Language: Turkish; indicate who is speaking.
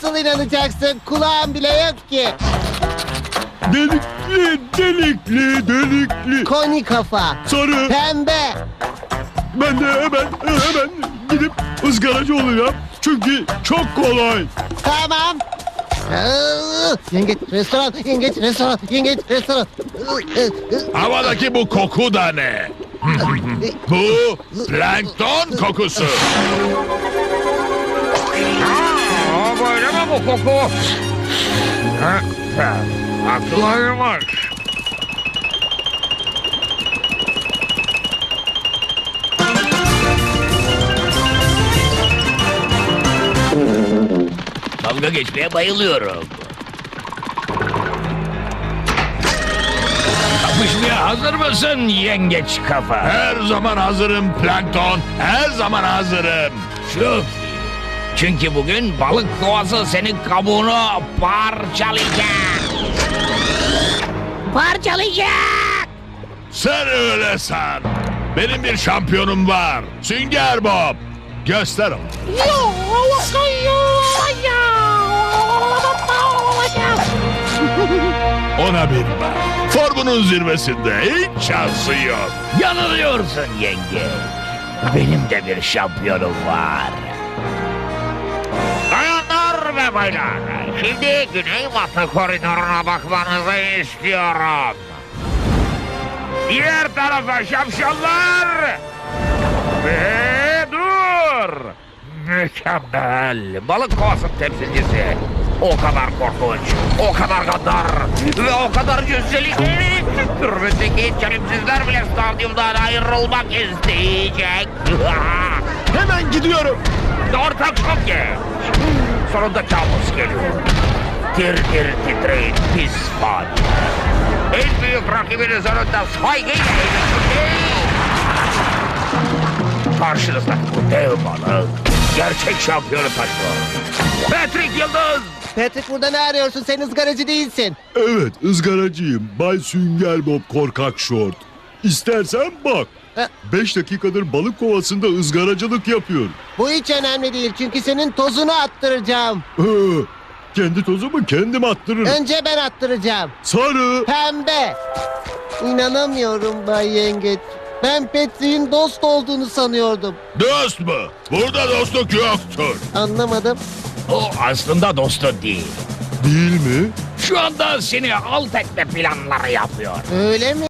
Speaker 1: Nasıl inanacaksın? Kulağın bile yok ki.
Speaker 2: Delikli.
Speaker 1: Koni kafa.
Speaker 2: Sarı.
Speaker 1: Pembe.
Speaker 2: Ben de hemen gidip ızgaracı olacağım. Çünkü çok kolay.
Speaker 1: Tamam. Yengeç restoran, yengeç restoran, yengeç restoran.
Speaker 3: Havadaki bu koku da ne? Bu plankton kokusu.
Speaker 4: Böyle mi bu koku? Haklıymış.
Speaker 5: Dalga geçmeye bayılıyorum. Kapışmaya hazır mısın yengeç kafa?
Speaker 3: Her zaman hazırım plankton. Her zaman hazırım.
Speaker 5: Çok iyi. Çünkü bugün balık kovası senin kabuğunu parçalayacak. Parçalayacak.
Speaker 3: Sen öyle san. Benim bir şampiyonum var. Sünger Bob. Göster onu. Ona bir bak. Formunun zirvesinde hiç şansı yok.
Speaker 5: Yanılıyorsun yenge. Benim de bir şampiyonum var.
Speaker 4: Bayanlar ve baylar, şimdi güneybatı koridoruna bakmanızı istiyorum. Diğer tarafa şapşallar. Ve dur. Mükemmel. Balık kovası temsilcisi. O kadar korkunç, o kadar gaddar ve o kadar cüsseli. Türbündeki çelimsizler bile stadyumdan ayrılmak isteyecek.
Speaker 2: Hemen gidiyorum.
Speaker 4: Ortak çok geç. Sonunda kabus geliyor. Tir tir titreyin pis fani. En büyük rakibiniz önünde saygıyla eğitim. Karşınızda bu dev balık gerçek şampiyonu taşıyor. Patrick Yıldız.
Speaker 1: Patrick burada ne arıyorsun? Sen ızgaracı değilsin.
Speaker 2: Evet, ızgaracıyım. Bay Sünger Bob Korkak Şort. İstersen bak. 5 dakikadır balık kovasında ızgaracılık yapıyorum.
Speaker 1: Bu hiç önemli değil çünkü senin tozunu attıracağım.
Speaker 2: Kendi tozumu kendim attırırım.
Speaker 1: Önce ben attıracağım.
Speaker 2: Sarı.
Speaker 1: Pembe. İnanamıyorum Bay Yengeç. Ben Patrick'in dost olduğunu sanıyordum.
Speaker 3: Dost mu? Burada dostluk yoktur.
Speaker 1: Anlamadım.
Speaker 5: O aslında dostu değil.
Speaker 2: Değil mi?
Speaker 5: Şu anda seni alt etme planları yapıyor.
Speaker 1: Öyle mi?